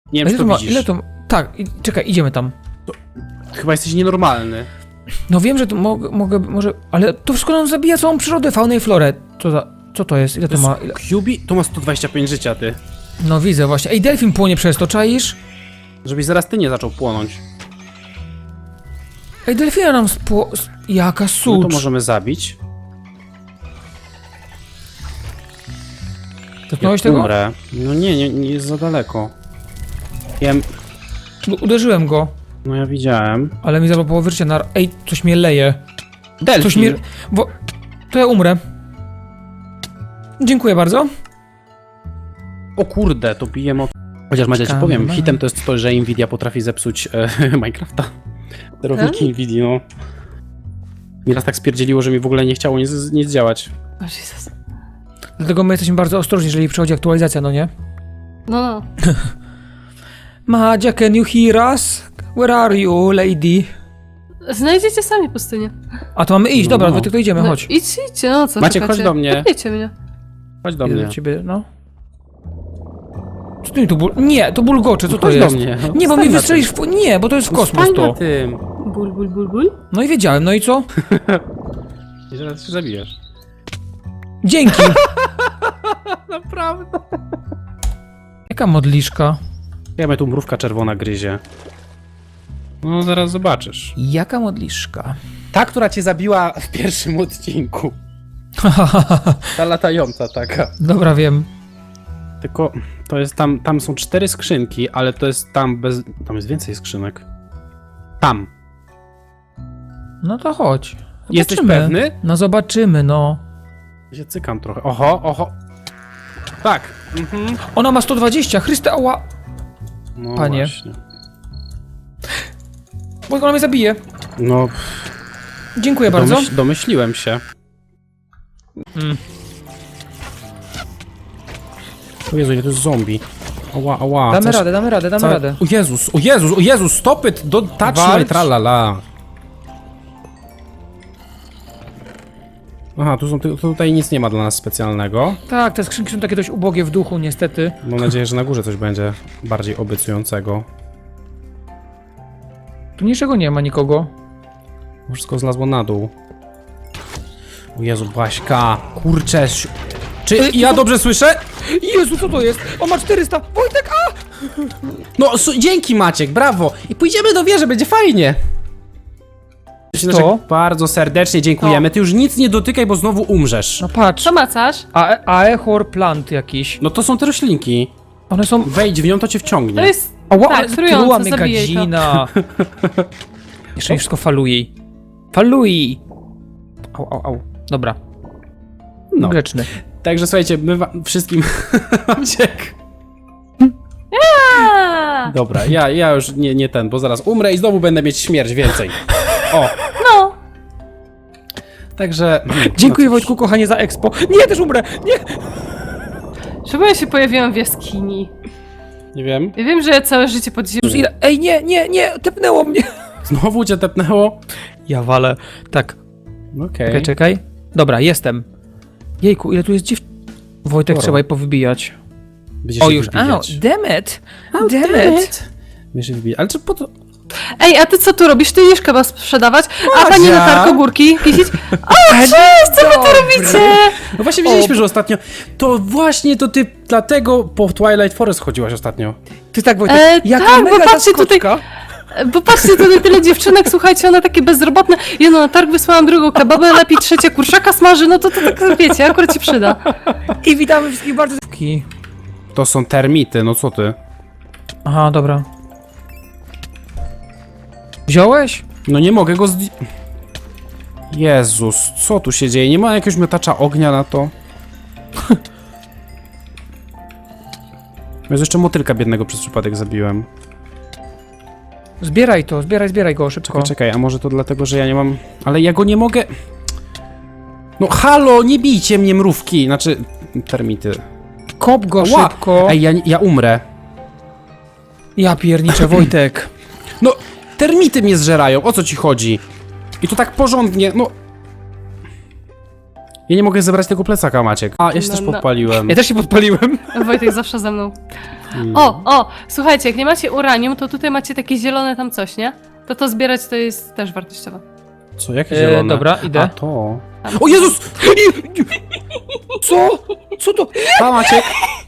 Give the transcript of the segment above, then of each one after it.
Nie wiem, czy to widzisz. Ile to... Tak, czekaj, idziemy tam. Chyba jesteś nienormalny. No wiem, że to może... Ale to wszystko nam zabija całą przyrodę, faunę i florę. Co to jest? Ile to ma? Ile... QB? To ma 125 życia, ty. No widzę właśnie. Ej, delfin płonie przez to, czaisz? Żebyś zaraz ty nie zaczął płonąć. Ej, delfina nam Jaka No sucz. to możemy zabić. Dotknąłeś tego? Umrę. No nie jest za daleko. Wiem, Uderzyłem go, no ja widziałem. ale mi zabrał połowę życia na... Ej, coś mnie leje. Delfin! Coś mnie... Bo... To ja umrę. Dziękuję bardzo. O kurde, to bije moc. Chociaż Madzia ci powiem, hitem to jest to, że Nvidia potrafi zepsuć Minecrafta. Sterowniki Nvidia, no. Mi raz tak spierdzieliło, że mi w ogóle nie chciało nic działać. O Jezus. Dlatego my jesteśmy bardzo ostrożni, jeżeli przychodzi aktualizacja, no nie? No. Madzia, can you hear us? Where are you, lady? Znajdziecie sami pustynię. A to mamy iść, dobra, No. to idziemy, No, chodź. idźcie, no co Maciek, czekacie? chodź do mnie. Podnieście mnie. Chodź do Idę mnie. do ciebie, no. Co ty tu Nie, to bulgocze, co to Chodź jest? do mnie. Nie, bo Stań mi na wystrzelisz w... Nie, bo to jest w tym. kosmos Stań to. na tym. Ból. No i wiedziałem, no i co? I zaraz się zabijesz. Dzięki! Naprawdę. Jaka modliszka? Ja mnie tu mrówka czerwona gryzie. No zaraz zobaczysz. Jaka modliszka? Ta, która cię zabiła w pierwszym odcinku. Ta latająca taka. Dobra, wiem. Tylko to jest tam są 4 skrzynki, ale to jest tam jest więcej skrzynek. Tam. No to chodź. Jesteś Zobaczymy. pewny? No zobaczymy, no. Ja się cykam trochę. Oho. Tak. Mhm. Ona ma 120, Chryste, ała! No Panie. Właśnie. Bo ona mnie zabije. No, Dziękuję bardzo. domyśliłem się. O Jezu, ile to jest zombie. Ała. Damy coś- radę, damy całe- radę. O Jezus, stop it, touch my Walcz. tralala. Aha, tutaj nic nie ma dla nas specjalnego. Tak, te skrzynki są takie dość ubogie w duchu, niestety. Mam nadzieję, że na górze coś będzie bardziej obiecującego. Tu niczego nie ma, nikogo. Wszystko zlazło na dół. O Jezu, Baśka, kurczę. Czy ja dobrze słyszę? Jezu, co to jest? On ma 400! Wojtek, a! No, dzięki Maciek, brawo! I pójdziemy do wieży, będzie fajnie! Co? Bardzo serdecznie dziękujemy. Ty już nic nie dotykaj, bo znowu umrzesz. No patrz. Co macasz? Aehor plant jakiś. No to są te roślinki. One są... Wejdź w nią, to cię wciągnie. To jest... Ała, Tak, ale trujące, truła mnie zabijaj to. gadzina. Jeszcze mi wszystko faluje. Falui! Au. Dobra. No. Grzeczny. Także słuchajcie, my wszystkim... Maciek. A! Dobra, ja już nie ten, bo zaraz umrę i znowu będę mieć śmierć więcej. O, No. także... Dziękuję no cóż. Wojtku, kochanie, za expo. Nie, też umrę! Nie! Czemu ja się pojawiłam w jaskini? Nie wiem. Ja wiem, że ja całe życie pod ziemią... Jezus, ile... Ej, nie! Tepnęło mnie! Znowu cię tepnęło? Ja walę. Tak. Okej. Czekaj. Dobra, jestem. Jejku, ile tu jest Wojtek, Sporo. trzeba je powybijać. Będziesz O, się już. wybijać. Damn it! Będziesz się wybijać. Ale czy po to... Ej, a ty co tu robisz? Ty jesz kebab sprzedawać? A pani Madzia! latarko górki pisić? Co wy tu Robicie! No właśnie widzieliśmy, że ostatnio... To właśnie to ty dlatego po Twilight Forest chodziłaś ostatnio. Ty tak, Wojtek, jaka tak, bo mega patrzcie tutaj- zaskoczka. Bo patrzcie, tutaj tyle dziewczynek, słuchajcie, one takie bezrobotne. Jedno na targ wysłałam, drugą kebabę, lepiej trzecie kurczaka smaży, no to tak wiecie, akurat ci przyda. I witamy wszystkich bardzo... To są termity, no co ty? Aha, dobra. Wziąłeś? No nie mogę go Jezus, co tu się dzieje? Nie ma jakiegoś miotacza ognia na to? Jest jeszcze motylka biednego przez przypadek zabiłem. Zbieraj to, zbieraj go szybko. Czekaj, a może to dlatego, że ja nie mam... Ale ja go nie mogę... No halo, nie bijcie mnie mrówki! Znaczy, termity. Kop go Ła! szybko. Ej, ja umrę. Ja pierniczę, Wojtek. No, termity mnie zżerają, o co ci chodzi? I to tak porządnie, no... Ja nie mogę zebrać tego plecaka, Maciek. A, ja się No, też no. podpaliłem. Ja też się podpaliłem. Wojtek zawsze ze mną. O, słuchajcie, jak nie macie uranium, to tutaj macie takie zielone tam coś, nie? To zbierać to jest też wartościowe. Co, jakie zielone? Dobra, idę. A to... Tam. O Jezus! Co? Co to? Pa, Maciek!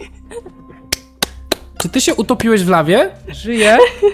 Czy ty się utopiłeś w lawie? Żyje?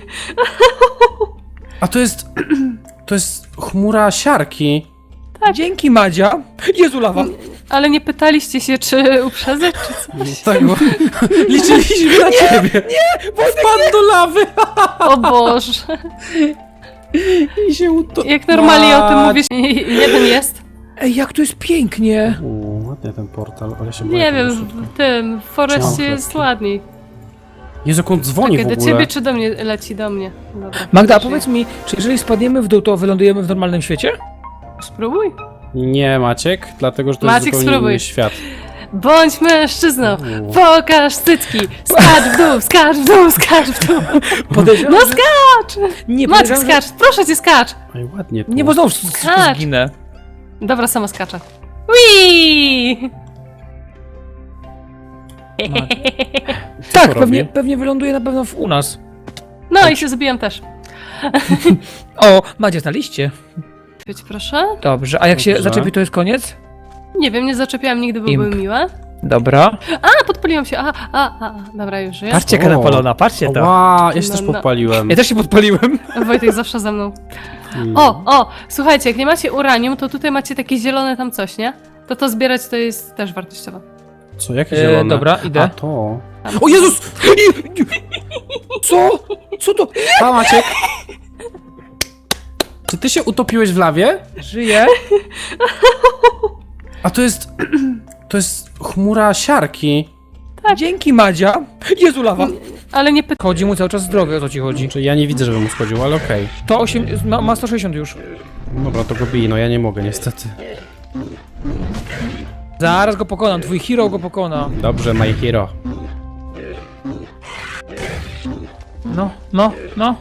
A to jest... To jest chmura siarki. Dzięki, Madzia. Jezu, lawa. Ale nie pytaliście się, czy uprzedzać, czy coś? Tak, bo liczyliśmy na ciebie. Nie! Wpadł do lawy! O Boże. I się utopił. Jak normalnie o tym mówisz, jeden jest. Ej, jak to jest pięknie. Ładnie ten portal, ale się boję Nie tego wiem, szybko. w tym, w Forestie Trzymam jest kropki. ładniej. Jezu, jak on dzwoni Czekaj, w do ogóle. ciebie czy do mnie leci? Do mnie. Dobra. Magda, a Żyję. powiedz mi, czy jeżeli spadniemy w dół, to wylądujemy w normalnym świecie? Spróbuj. Nie, Maciek, dlatego, że to Maciek, jest zupełnie spróbuj. inny świat. Bądź mężczyzną, U. pokaż cycki, skacz w dół, skacz w dół, skacz w dół. Podejrzewam, No że- skacz! Nie, Maciek, podejrzewam, skacz, proszę cię, skacz! Ej, ładnie tu. że... Nie, bo znowu Skacz. zginę. Dobra, sama skaczę. Whee! Co Tak, to pewnie, robi? pewnie wyląduje na pewno u nas. No i się zabijam też. O, Madzia na liście. Być proszę. Dobrze, a jak się Dobrze. zaczepi, to jest koniec? Nie wiem, nie zaczepiałam nigdy, bo Imp. były miłe. Dobra. A, podpaliłam się, dobra, już żyję. Patrzcie, jaka O. napalona, patrzcie to. Ła, ja się No, też no. podpaliłem. Ja też się podpaliłem. Wojtek zawsze ze mną. Mm. O, słuchajcie, jak nie macie uranium, to tutaj macie takie zielone tam coś, nie? To zbierać to jest też wartościowe. Co, jakie zielone? dobra, idę. A to... Tam. O Jezus! Co? Co to? Pa, Maciek! Czy ty się utopiłeś w lawie? Żyje? A to jest... To jest chmura siarki. Dzięki, Madzia. Jezu, lawa. Ale nie Chodzi mu cały czas zdrowie, o co ci chodzi. Znaczy, ja nie widzę, żeby mu schodził, ale okej. To 8, ma 160 już. Dobra, to go bij, no ja nie mogę niestety. Zaraz go pokonam, twój hero go pokona. Dobrze, my hero. No.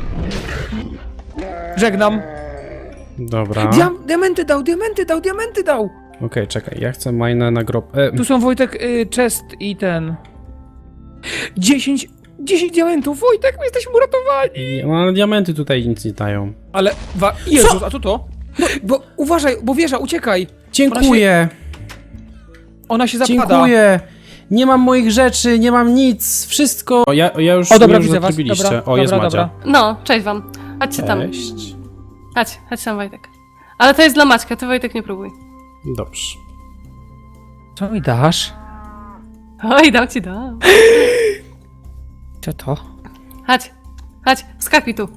Żegnam. Dobra. Diamenty dał. Okej, czekaj, ja chcę majnę na grob... Tu są, Wojtek, chest i ten... 10 diamentów, Wojtek, my jesteśmy uratowani. No ale diamenty tutaj nic nie dają. Ale, Jezus, a co to? No, bo uważaj, bo wieża, uciekaj. Dziękuję! Ona się zapada. Dziękuję! Nie mam moich rzeczy, nie mam nic, wszystko... O, ja już... O, dobra, już widzę was, zatrubiliście. dobra, O, jest dobra, Madzia. No, cześć wam. Chodźcie tam. Cześć. Chodź tam, Wojtek. Ale to jest dla Maćka, ty Wojtek nie próbuj. Dobrze. Co mi dasz? Oj, dam. Co to? Chodź, skakuj tu.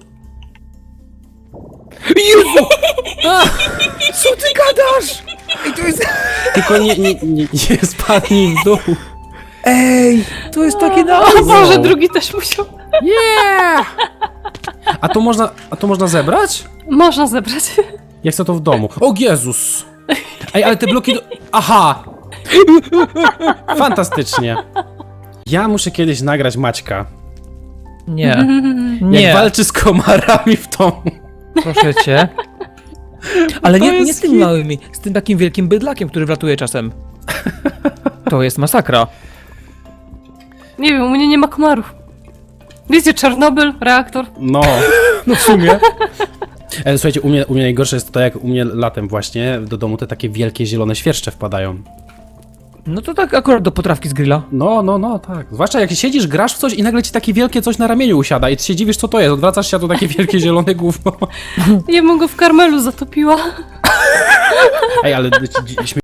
Jezu! Co ty gadasz? Ej, to jest... Tylko nie spadnij w dół. Ej, to jest takie na... O Boże, drugi też musiał. Yeah! A to można zebrać? Można zebrać. Ja chcę to w domu. O Jezus! Ej, ale te bloki... Aha! Fantastycznie. Ja muszę kiedyś nagrać Maćka. Nie. Jak Nie, walczy z komarami w domu. proszę cię. Ale To nie jest z tym hit. małymi, z tym takim wielkim bydlakiem, który wlatuje czasem. To jest masakra. Nie wiem, u mnie nie ma komarów. Wiecie, Czarnobyl, reaktor. No. No w sumie. Słuchajcie, u mnie najgorsze jest to, jak u mnie latem właśnie do domu te takie wielkie zielone świerszcze wpadają. No to tak akurat do potrawki z grilla. No, tak. Zwłaszcza jak siedzisz, grasz w coś i nagle ci takie wielkie coś na ramieniu usiada i ty się dziwisz, co to jest. Odwracasz się, a to takie wielkie zielone gówno. Ja bym go w karmelu zatopiła. Ej, ale